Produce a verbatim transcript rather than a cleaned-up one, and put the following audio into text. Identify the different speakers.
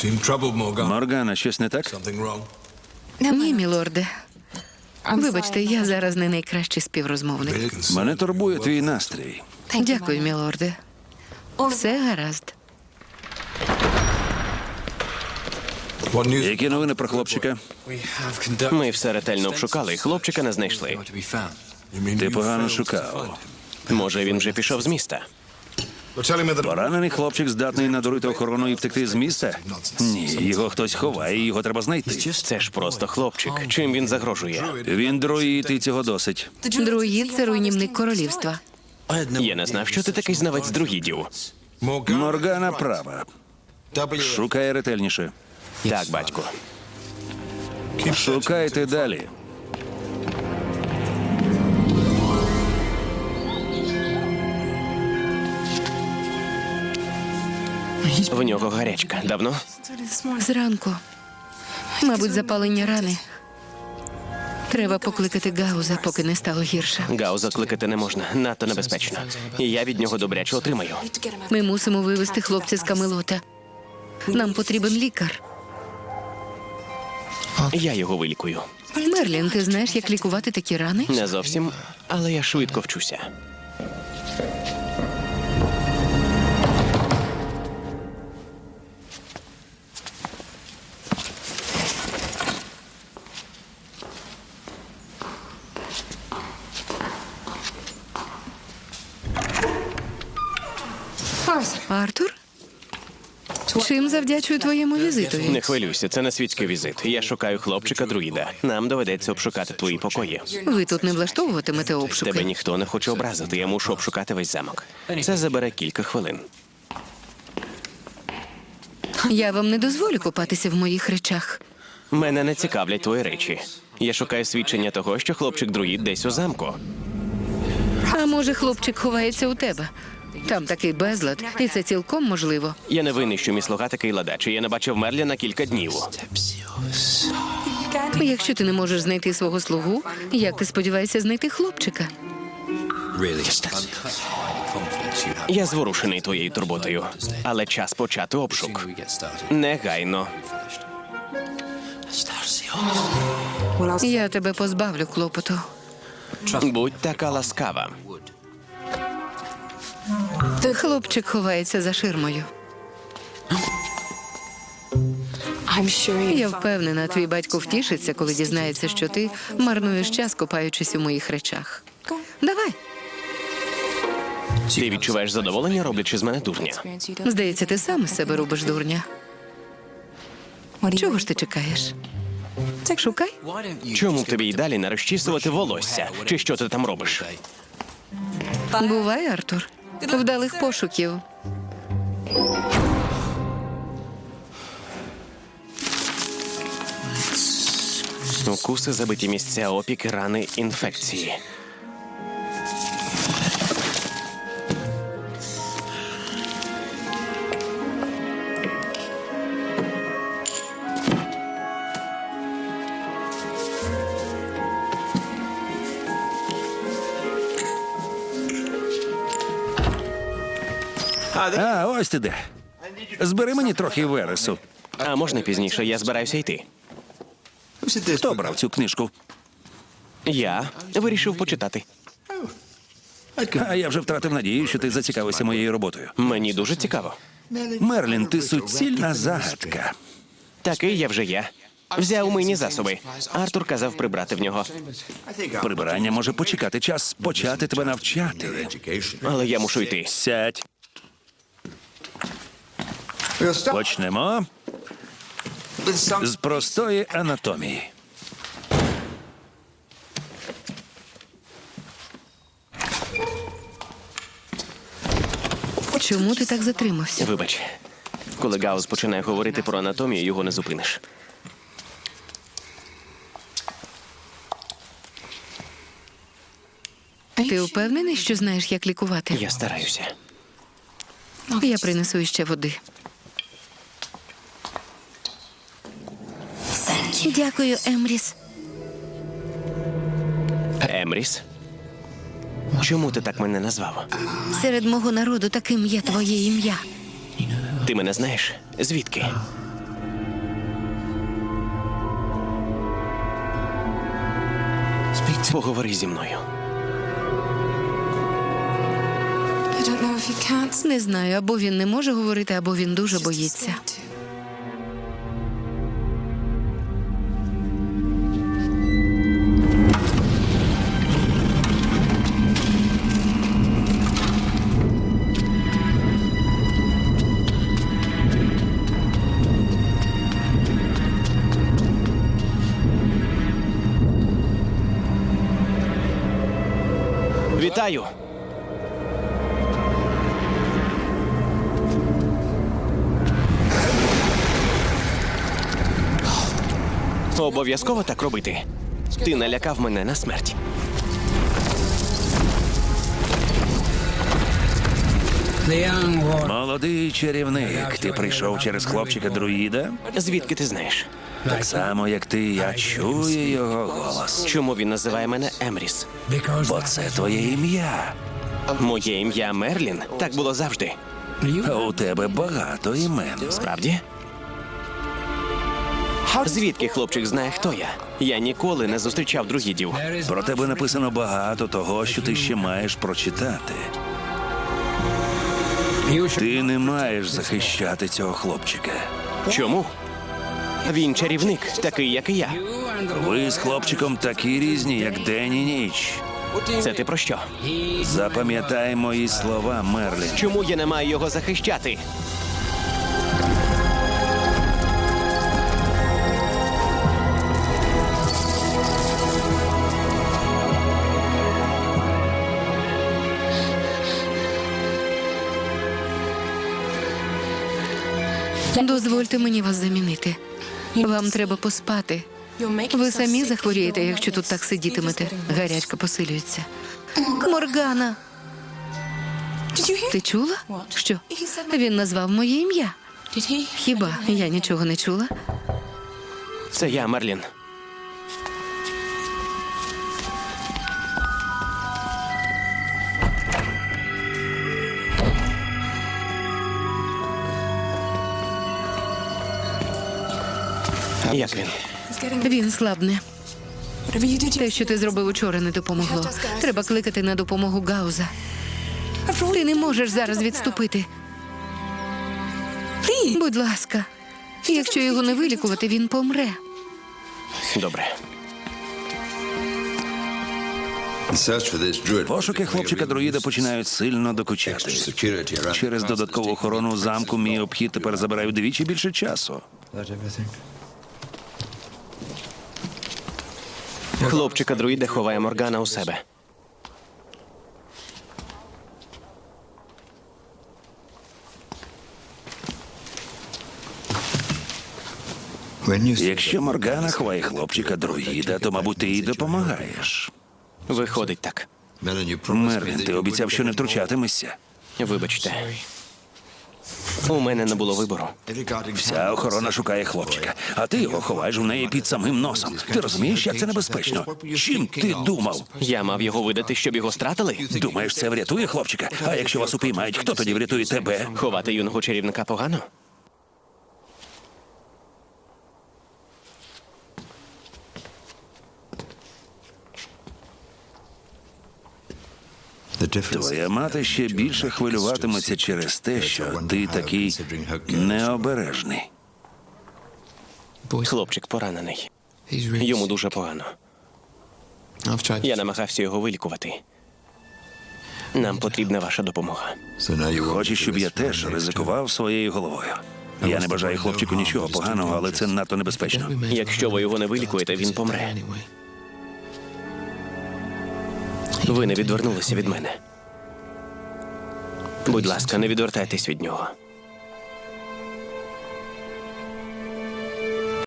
Speaker 1: Моргана, щось не так?
Speaker 2: Ні, мілорде. Вибачте, я зараз не найкращий співрозмовник.
Speaker 1: Мене турбує твій настрій.
Speaker 2: Дякую, мілорде. Все гаразд.
Speaker 1: Які новини про хлопчика?
Speaker 3: Ми все ретельно обшукали, і хлопчика не знайшли.
Speaker 1: Ти погано шукав.
Speaker 3: Може, він вже пішов з міста?
Speaker 1: Поранений хлопчик здатний надурити охорону і втекти з міста? Ні, його хтось ховає, і його треба знайти.
Speaker 3: Це ж просто хлопчик. Чим він загрожує?
Speaker 1: Він друїд, і цього досить.
Speaker 2: Друїд – це руйнівник королівства.
Speaker 3: Я не знав, що ти такий знавець друїдів.
Speaker 1: Моргана права. Шукай ретельніше.
Speaker 3: Так, батько.
Speaker 1: Шукайте далі.
Speaker 3: В нього гарячка. Давно?
Speaker 2: Зранку. Мабуть, запалення рани. Треба покликати Гауза, поки не стало гірше.
Speaker 3: Гауза кликати не можна. Надто небезпечно. І я від нього добряче отримаю.
Speaker 2: Ми мусимо вивезти хлопця з Камелота. Нам потрібен лікар.
Speaker 3: Я його вилікую.
Speaker 2: Мерлін, ти знаєш, як лікувати такі рани?
Speaker 3: Не зовсім, але я швидко вчуся.
Speaker 2: Артур? Чим завдячую твоєму візитові?
Speaker 3: Не хвилюйся, це не світський візит. Я шукаю хлопчика-друїда. Нам доведеться обшукати твої покої.
Speaker 2: Ви тут не влаштовуватимете
Speaker 3: Тебе
Speaker 2: обшуки?
Speaker 3: ніхто не хоче образити, я мушу обшукати весь замок. Це забере кілька хвилин.
Speaker 2: Я вам не дозволю купатися в моїх речах.
Speaker 3: Мене не цікавлять твої речі. Я шукаю свідчення того, що хлопчик-друїд десь у замку.
Speaker 2: А може, хлопчик ховається у тебе? Там такий безлад, і це цілком можливо.
Speaker 3: Я не винний, що мій слуга такий ладач, і я не бачив Мерліна кілька днів.
Speaker 2: Якщо ти не можеш знайти свого слугу, як ти сподіваєшся знайти хлопчика?
Speaker 3: Я зворушений твоєю турботою, але час почати обшук. Негайно.
Speaker 2: Я тебе позбавлю клопоту.
Speaker 3: Будь така ласкава.
Speaker 2: Хлопчик ховається за ширмою. Я впевнена, твій батько втішиться, коли дізнається, що ти марнуєш час, копаючись у моїх речах. Давай.
Speaker 3: Ти відчуваєш задоволення, роблячи з мене дурня?
Speaker 2: Здається, ти сам із себе робиш дурня. Чого ж ти чекаєш? Шукай.
Speaker 3: Чому б тобі й далі не розчісувати волосся? Чи що ти там робиш?
Speaker 2: Бувай, Артур. Вдалих пошуків.
Speaker 3: Укуси, забиті місця, опіки, рани, інфекції.
Speaker 1: А, ось ти де. Збери мені трохи вересу.
Speaker 3: А можна пізніше? Я збираюся йти.
Speaker 1: Хто брав цю книжку?
Speaker 3: Я вирішив почитати.
Speaker 1: А я вже втратив надію, що ти зацікавився моєю роботою.
Speaker 3: Мені дуже цікаво.
Speaker 1: Мерлін, ти суцільна загадка.
Speaker 3: Такий я вже я. Взяв мийні засоби. Артур казав прибрати в нього.
Speaker 1: Прибирання може почекати, час почати тебе навчати.
Speaker 3: Але я мушу йти.
Speaker 1: Сядь. Почнемо з простої анатомії.
Speaker 2: Чому ти так затримався?
Speaker 3: Вибач. Коли Гаус починає говорити про анатомію, його не зупиниш.
Speaker 2: Ти впевнений, що знаєш, як лікувати?
Speaker 3: Я стараюся.
Speaker 2: Я принесу іще води. Дякую, Емріс.
Speaker 3: Емріс? Чому ти так мене назвав?
Speaker 2: Серед мого народу таким є твоє ім'я.
Speaker 3: Ти мене знаєш? Звідки? Поговори зі мною.
Speaker 4: I don't know if he can't.
Speaker 2: Не знаю, або він не може говорити, або він дуже боїться.
Speaker 3: Вітаю! Обов'язково так робити. Ти налякав мене на смерть.
Speaker 1: Молодий чарівник, ти прийшов через хлопчика-друїда?
Speaker 3: Звідки ти знаєш?
Speaker 1: Так само, як ти, я чую його голос.
Speaker 3: Чому він називає мене Емріс?
Speaker 1: Бо це твоє ім'я.
Speaker 3: Моє ім'я Мерлін. Так було завжди.
Speaker 1: А у тебе багато імен.
Speaker 3: Правді? Звідки хлопчик знає, хто я? Я ніколи не зустрічав друїдів.
Speaker 1: Про тебе написано багато того, що ти ще маєш прочитати. Ти не маєш захищати цього хлопчика.
Speaker 3: Чому? Він чарівник, такий, як і я.
Speaker 1: Ви з хлопчиком такі різні, як день і ніч.
Speaker 3: Це ти про що?
Speaker 1: Запам'ятай мої слова, Мерлін.
Speaker 3: Чому я не маю його захищати?
Speaker 2: Дозвольте мені вас замінити. Вам треба поспати. Ви самі захворієте, якщо тут так сидітимете. Гарячка посилюється. Моргана! Ти чула? Що? Він назвав моє ім'я. Хіба я нічого не чула?
Speaker 3: Це я, Мерлін. Як він?
Speaker 2: Він слабне. Те, що ти зробив учора, не допомогло. Треба кликати на допомогу Гауза. Ти не можеш зараз відступити. Будь ласка, якщо його не вилікувати, він помре.
Speaker 3: Добре.
Speaker 1: Пошуки хлопчика-друїда починають сильно докучати. Через додаткову охорону замку мій обхід тепер забирає вдвічі більше часу.
Speaker 3: Хлопчика друїда ховає Моргана у себе.
Speaker 1: Якщо Моргана ховає хлопчика-друїда, то, мабуть, ти їй допомагаєш.
Speaker 3: Виходить так.
Speaker 1: Мерлін, ти обіцяв, що не втручатимешся.
Speaker 3: Вибачте. У мене не було вибору.
Speaker 1: Вся охорона шукає хлопчика, а ти його ховаєш в неї під самим носом. Ти розумієш, як це небезпечно? Чим ти думав?
Speaker 3: Я мав його видати, щоб його стратили?
Speaker 1: Думаєш, це врятує хлопчика? А якщо вас упіймають, хто тоді врятує тебе?
Speaker 3: Ховати юного чарівника погано?
Speaker 1: Твоя мати ще більше хвилюватиметься через те, що ти такий необережний.
Speaker 3: Хлопчик поранений. Йому дуже погано. Я намагався його вилікувати. Нам потрібна ваша допомога.
Speaker 1: Хочеш, щоб я теж ризикував своєю головою? Я не бажаю хлопчику нічого поганого, але це надто небезпечно.
Speaker 3: Якщо ви його не вилікуєте, він помре. Ви не відвернулися від мене. Будь ласка, не відвертайтесь від нього.